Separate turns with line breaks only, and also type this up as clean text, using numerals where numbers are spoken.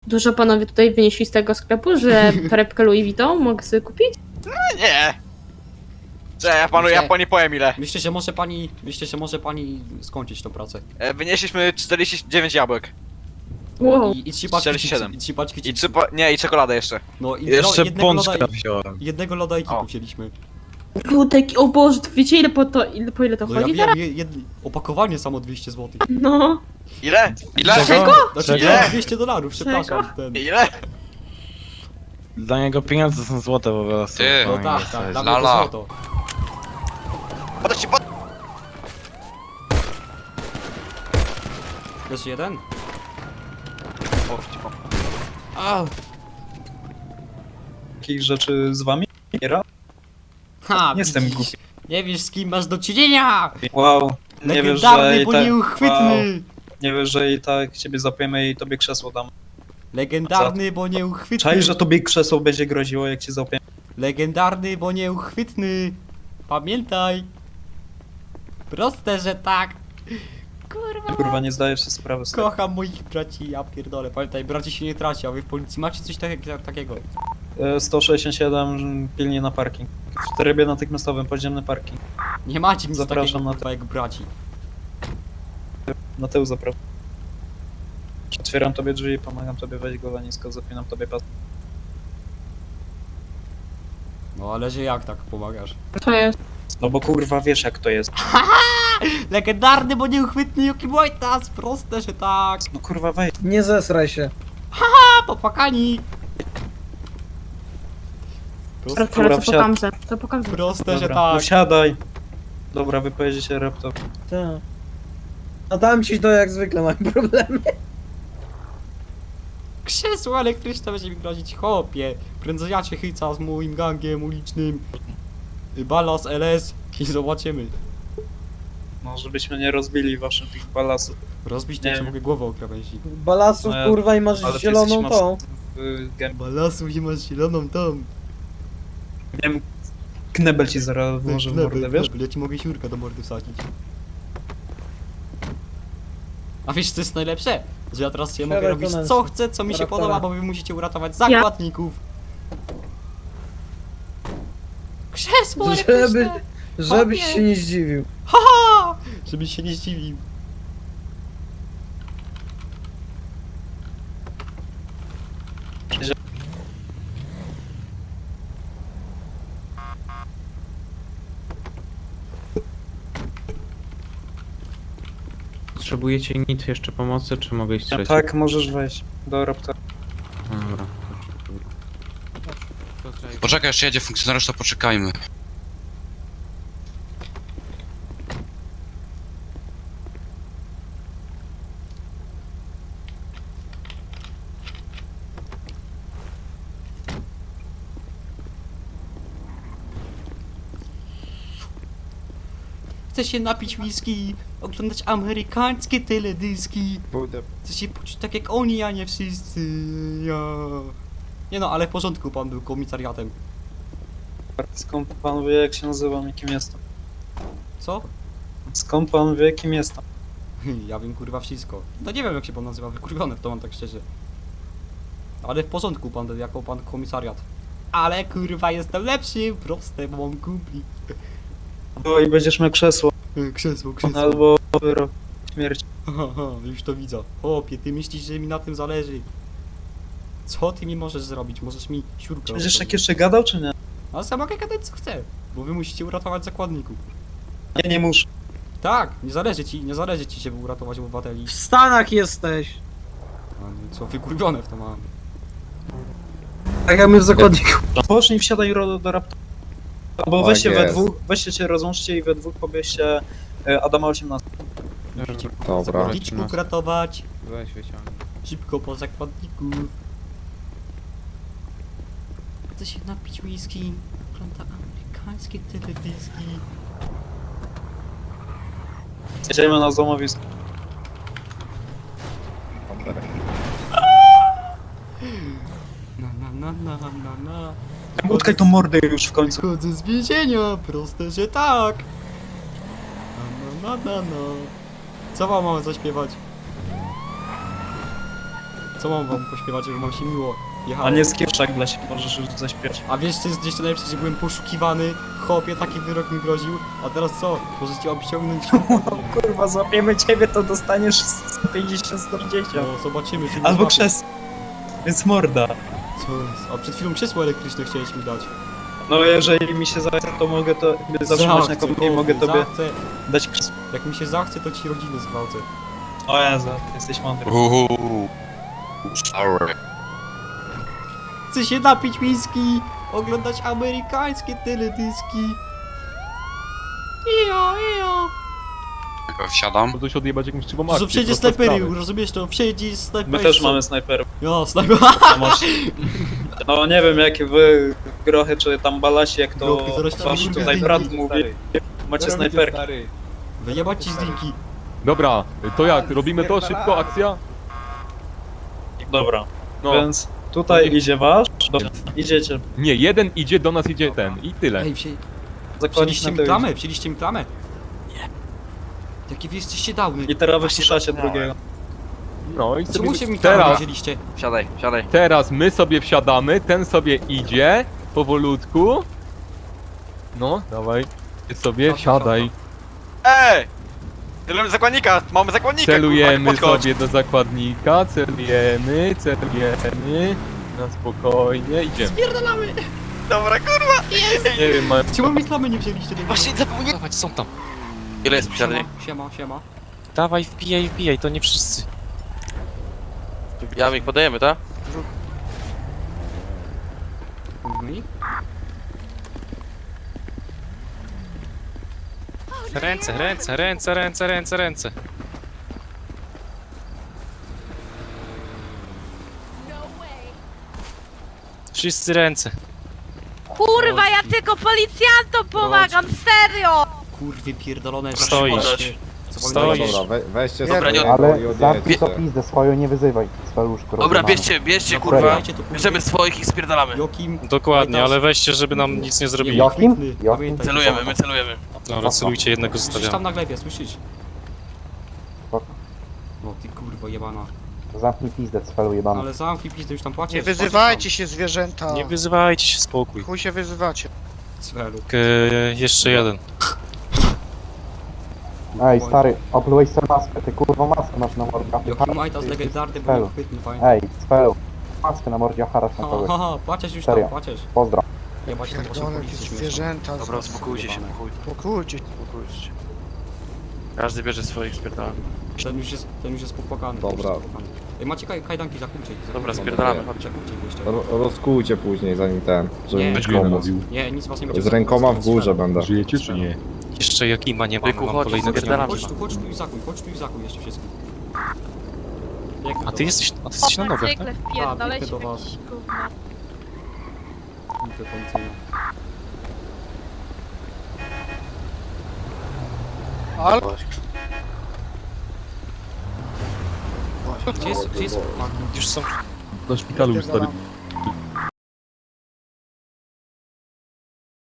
Dużo panowie tutaj wynieśli z tego sklepu, że torebkę Louis Vuitton mogę sobie kupić?
Nie! Co, ja pani powiem ile.
Myślę, że może pani skończyć tą pracę.
Wynieśliśmy 49 jabłek.
Wow.
I 3 paczki
47.
chipsów, i 3 paczki
I
chipsów.
nie, i czekoladę jeszcze.
No i
Jeszcze
jednego
pączka
loda,
wziąłem.
jednego loda i
O.
kitu wzięliśmy.
Ludek, o Boże, to wiecie ile po ile to
No ja
chodzi
wiem,
teraz?
opakowanie samo 200 zł.
No.
Ile? Ile?
Czego?
Znaczy
Ile?
nie, $200, przepraszam. Ten.
Ile?
Dla niego pieniądze są złote po prostu.
Ty.
No
nie
tak,
jest
tak,
coś.
dla mnie to
Lala.
złoto.
Podać ci pod...
Jeszcze jeden?
O, ci pomogę.
A,
Takich rzeczy z wami? Giera?
ha,
Nie jestem
widzisz.
głupi.
Nie wiesz z kim masz do czynienia!
Wow. Nie wiesz, że
Legendarny,
i
bo
tak...
nieuchwytny!
Nie wiesz, że i tak ciebie zapiemy i tobie krzesło dam.
Legendarny, bo nieuchwytny!
Czaisz, że tobie krzesło będzie groziło, jak cię zapiemy?
Legendarny, bo nieuchwytny! Pamiętaj! Proste, że tak! Kurwa!
Kurwa, nie zdajesz sobie sprawy z tego.
Kocham moich braci, ja pierdolę. Pamiętaj, braci się nie traci, a wy w policji macie coś takiego.
167 pilnie na parking. W trybie natychmiastowym podziemny parking.
Nie macie nic
Zapraszam
takiego,
na
kurwa, jak braci.
Na tył zapraszam. Otwieram tobie drzwi, pomagam tobie wejść go nisko, zapinam tobie pas.
No ale że jak tak pomagasz?
To jest.
No bo kurwa wiesz jak to jest.
Legendarny, bo nieuchwytny Yuki Wojtas! Proste, że tak!
No kurwa wejdź.
Nie zesraj się.
A, popłakani!
Dobra,
Dobra,
co po kamze? Co po kamze?
Proste, że
Dobra, no
tak!
wsiadaj. Dobra, wypowiedzi się laptop.
Tak. A tam ci to jak zwykle mam problemy.
Krzesło elektryczne będzie mi grozić, chłopie! Prędzej ja cię chyca z moim gangiem ulicznym. Balas LS i zobaczymy.
No żebyśmy nie rozbili waszych tych balasów.
Rozbić
Nie
nie
wiem.
mogę głowę o krawędzi.
Balasów
No,
kurwa i masz
ale ty
zieloną
jesteś
tą.
mocny w gębie.
Balasu i masz zieloną tam.
Nie wiem, knebel ci zaraz włożę w mordę, wiesz?
Ja ci mogę siurka do mordy wsadzić. A wiesz co jest najlepsze? Że ja teraz sobie mogę
Siadaj,
robić
Konrad.
co chcę, co mi się
Raptora.
podoba, bo wy musicie uratować zakładników. Krzesło elektryczne!
Żebyś się nie zdziwił.
Haha! Żebyś się nie zdziwił.
Potrzebujecie nic jeszcze pomocy, czy mogę iść trzeci?
Tak, możesz wejść do raptora.
Dobra.
Poczekaj, jeszcze jedzie funkcjonariusz, to poczekajmy.
Chcę się napić whisky, oglądać amerykańskie teledyski. Chcę się poczuć tak jak oni, a nie wszyscy. Ja. Nie no, ale w porządku, pan był komisariatem.
Skąd pan wie jak się nazywam i kim jestem?
Co?
Skąd pan wie kim jestem?
Ja wiem kurwa wszystko. No nie wiem jak się pan nazywa, wykurwione w to mam tak szczerze. Ale w porządku pan, jako pan komisariat. Ale kurwa jestem lepszy, proste, bo mam kumpli.
No i będziesz miał krzesło,
Krzesło,
albo wyrok śmierci.
Haha, już to widzę. Chłopie, ty myślisz, że mi na tym zależy? Co ty mi możesz zrobić? Możesz mi siurkę
Będziesz tak
odrobić.
jeszcze gadał czy nie?
A sam mogę gadać co chcę, bo wy musicie uratować zakładników.
Ja nie muszę.
Tak, nie zależy ci, żeby uratować obywateli.
W Stanach jesteś.
A no co, wykurwione w to mam.
Tak jak my w zakładniku.
Pocznij, wsiadaj do raptora. Albo
Tak
weźcie we
jest.
dwóch, weźcie się rozłączcie i we dwóch pobierzcie Adama 18.
Dobra.
Zakładniczków ratować,
Weź wyciągnij.
szybko po zakładników. Chcę się napić whisky, ogląda amerykańskie teledyski.
Jedziemy na złomowisko.
Na.
Utkaj tą mordę już w końcu.
Chodzę z więzienia, proste, że tak. Na. Co wam mam zaśpiewać? Co mam wam pośpiewać, żeby wam się miło jechało?
A nie z kieszek dla siebie możesz już zaśpiewać.
A wiesz co jest jeszcze lepsze, że byłem poszukiwany, chłopie, taki wyrok mi groził, a teraz co? Możecie obciągnąć...
Kurwa, złapiemy ciebie, to dostaniesz 150-140.
No, zobaczymy, czy mnie
Albo
złapią.
krzes. Więc morda.
Co jest? A przed chwilą krzesło elektryczne chciałeś mi dać.
No jeżeli mi się zachce, to mogę to zatrzymać na kopie i mogę tobie
Zachcę.
dać krzesło.
Jak mi się zachce, to ci rodzinę zgwałcę.
O Jezu, jesteś mądry.
Sorry.
Chcę się napić whisky, oglądać amerykańskie teledyski. Ijo.
Wsiadam.
Możesz odjebać jakimś krzywą
To są
akcję,
wszędzie
proste
snajpery,
sprawy.
rozumiesz to? Wszędzie snajpery.
My też mamy snajperów.
Ja, snajper.
No, no nie wiem jakie wy grochy czy tam balasi, jak to
Grochy, zaraz
wasz
tam
tutaj
lubię
brat
zdjęki,
mówi. Macie snajperki.
Wyjebać ci z linki.
Dobra, to jak? Robimy to? Szybko, akcja?
Dobra,
No,
więc tutaj idzie wasz, idziecie.
nie, jeden idzie, do nas idzie ten i tyle.
Ej,
Zakładnik
wzięliście
na
mi
tył
klamę,
idzie.
wzięliście mi klamę. Nie. Jakie wy jesteście dawny.
I teraz wyciszacie drugiego.
No i
Czemu się
sobie
mi klamę
teraz,
wzięliście?
Wsiadaj, wsiadaj.
teraz my sobie wsiadamy, ten sobie idzie, powolutku. No, dawaj, ty sobie wsiadaj.
Ej! Celujemy zakładnika! Mamy zakładnika!
Celujemy
kurwa, podchodź.
sobie do zakładnika, celujemy. Na spokojnie, idziemy.
Dobra, kurwa!
Nie wiem, ma...
Czemu mi klamy nie wzięliście?
Właśnie zapomniałem.
Dawać, są tam.
Ile jest posiadanie?
Siema.
Dawaj, wbijaj, to nie wszyscy.
Jamik, podajemy, tak?
No.
Ręce. Wszyscy ręce.
Kurwa, ja tylko policjantom pomagam, serio!
Kurwy pierdolone.
Stoisz. Stoisz.
Weźcie
Dobra, nie-
ale
Zamknij to pizdę swoją, nie wyzywaj swaluszku.
Dobra, bierzcie, kurwa.
Dajcie to, kurwa.
Bierzemy swoich i spierdalamy.
Jokim.
Dokładnie, ale weźcie, żeby nam nic nie zrobili.
Jokim?
Pamiętaj,
Celujemy, my celujemy.
Dobra, celujcie, jednego
Słyszysz tam
zostawiamy.
na glebie, słyszysz?
Spoko.
No ty kurwa jebana.
Zamknij pizdę, cwelu jebany.
Ale zamknij pizdę, już tam płacisz.
Nie wyzywajcie się zwierzęta.
Nie wyzywajcie się, spokój.
Chuj się wyzywacie.
Cwelu.
Jeszcze jeden.
Ej, stary, oplułeś sobie maskę, ty kurwa maskę masz na mordzie.
Jokim Majta z legendarny był
Cwelu.
chwytny, pamiętaj.
Ej, cwelu, maskę na mordzie, harasz na kogoś.
Haha, płacisz już
Serio.
tam, płacisz.
Pozdro.
Jebać tam waszą
Pierdolę,
policję
jakieś
śmieszną.
zwierzęta.
Dobra, uspokójcie się,
Spokójcie.
uspokójcie. Każdy bierze swoich, spierdalamy.
Ten już jest popłakany.
Dobra.
ten już jest popłakany. Ej, macie kajdanki, zakupcie ich.
Dobra, spierdalamy, chodźcie.
Zakupcie ich jeszcze.
Rozkujcie później, zanim ten, żeby
Nie.
mieć pomóc.
Nie, nic was nie będzie.
Z rękoma w górze będę.
Żyjecie czy nie?
Jeszcze Jakima nie mamy,
Byku,
mam
chodź,
kolejnego
spierdalamy.
dnia.
Chodź tu i zakuj jeszcze wszystko.
A ty jesteś na nogach, tak?
Zwykle wpierdalaj
A,
się
do
w
was.
jakieś gówno.
Punkty policyjne.
Ale
Gdzie jest?
Już są.
Do szpitalu już, stary.